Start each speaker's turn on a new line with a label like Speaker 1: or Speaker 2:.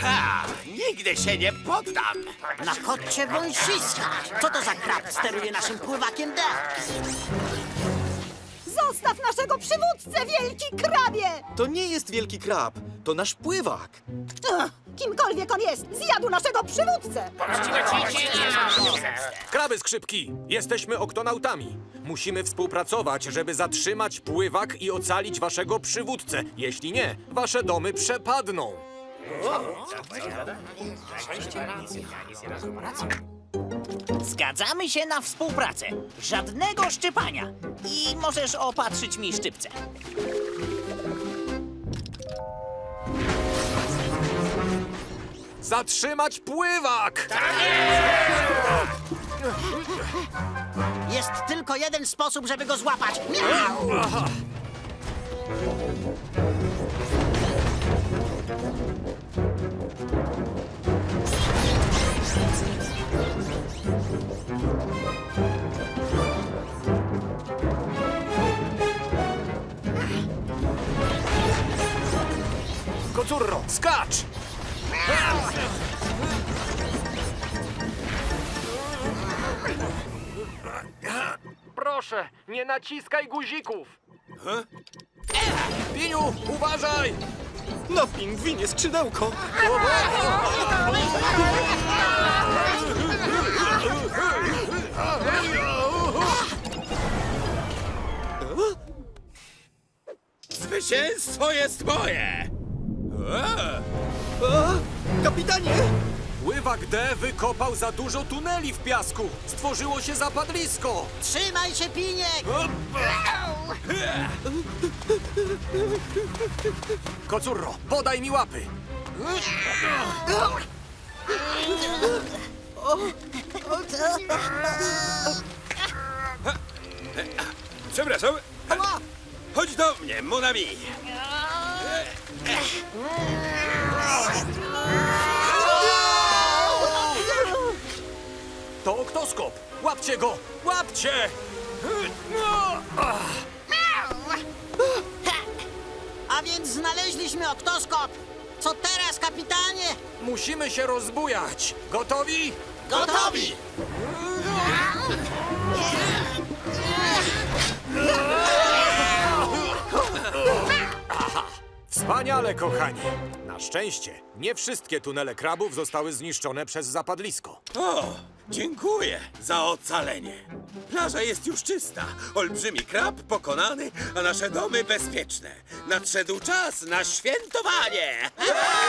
Speaker 1: Ha! Nigdy się nie poddam!
Speaker 2: Na kocie wąsiska! Co to za krab steruje naszym pływakiem D?
Speaker 3: Zostaw naszego przywódcę, wielki krabie!
Speaker 4: To nie jest wielki krab, to nasz pływak.
Speaker 3: Ugh, kimkolwiek on jest, zjadł naszego przywódcę!
Speaker 5: Kraby skrzypki! Jesteśmy oktonautami. Musimy współpracować, żeby zatrzymać pływak i ocalić waszego przywódcę. Jeśli nie, wasze domy przepadną.
Speaker 2: Zgadzamy się na współpracę. Żadnego szczypania. I możesz opatrzyć mi szczypce.
Speaker 5: Zatrzymać pływak!
Speaker 2: Jest tylko jeden sposób, żeby go złapać. Miau!
Speaker 5: Kocurro, skacz! Proszę, nie naciskaj guzików! Piniu, uważaj!
Speaker 4: Na pingwinie skrzydełko.
Speaker 1: Zwycięstwo jest moje!
Speaker 4: Kapitanie!
Speaker 5: Pływak D wykopał za dużo tuneli w piasku. Stworzyło się zapadlisko.
Speaker 2: Trzymaj się, Piniek!
Speaker 5: Kocurro, podaj mi łapy.
Speaker 1: Przepraszam. Chodź do mnie, mon ami.
Speaker 5: To oktoskop. Łapcie go! Łapcie!
Speaker 2: A więc znaleźliśmy oktoskop. Co teraz, kapitanie?
Speaker 5: Musimy się rozbujać. Gotowi?
Speaker 2: Gotowi!
Speaker 5: Wspaniale, kochani. Na szczęście nie wszystkie tunele krabów zostały zniszczone przez zapadlisko.
Speaker 1: O, dziękuję za ocalenie. Plaża jest już czysta, olbrzymi krab pokonany, a nasze domy bezpieczne. Nadszedł czas na świętowanie!